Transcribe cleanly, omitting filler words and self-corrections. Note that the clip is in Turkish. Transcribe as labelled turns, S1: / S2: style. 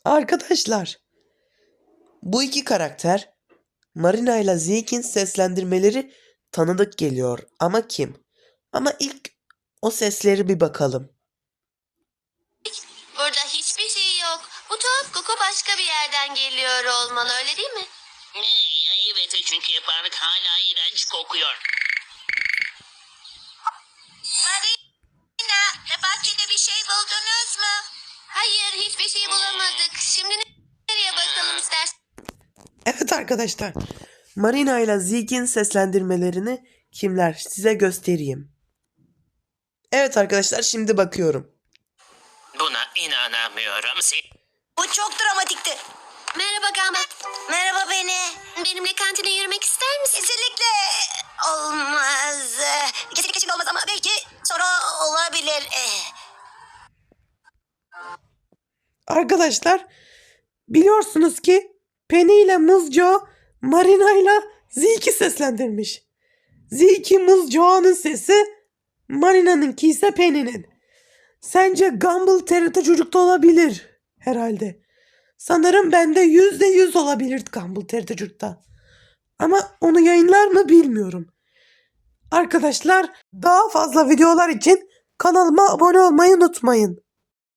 S1: Arkadaşlar, bu iki karakter Marina ile Zeke'in seslendirmeleri tanıdık geliyor ama kim? Ama ilk o sesleri bir bakalım.
S2: Burada hiçbir şey yok. Bu tuhaf koku başka bir yerden geliyor olmalı, öyle değil mi?
S3: Evet, çünkü yaparlık hala iğrenç kokuyor.
S2: Marina, bahçede bir şey buldunuz mu? Hayır, hiçbir şey bulamadık. Şimdi nereye bakalım istersen?
S1: Evet arkadaşlar, Marina ile Zeke'in seslendirmelerini kimler size göstereyim. Evet arkadaşlar, şimdi bakıyorum.
S3: Buna inanamıyorum.
S2: Bu çok dramatikti. Merhaba Gambat. Merhaba beni. Benimle kantine yürümek ister misin? Kesinlikle olmaz. Kesinlikle şimdi olmaz ama belki sonra olabilir.
S1: Arkadaşlar, biliyorsunuz ki Penny ile Muzco Marina ile Zeke'i seslendirmiş. Zeke Muzco'nun sesi, Marina'nınki ise Penny'nin. Sence Gumball TRT Çocuk'ta olabilir herhalde. Sanırım bende %100 olabilir Gumball TRT Çocuk'ta. Ama onu yayınlar mı bilmiyorum. Arkadaşlar, daha fazla videolar için kanalıma abone olmayı unutmayın.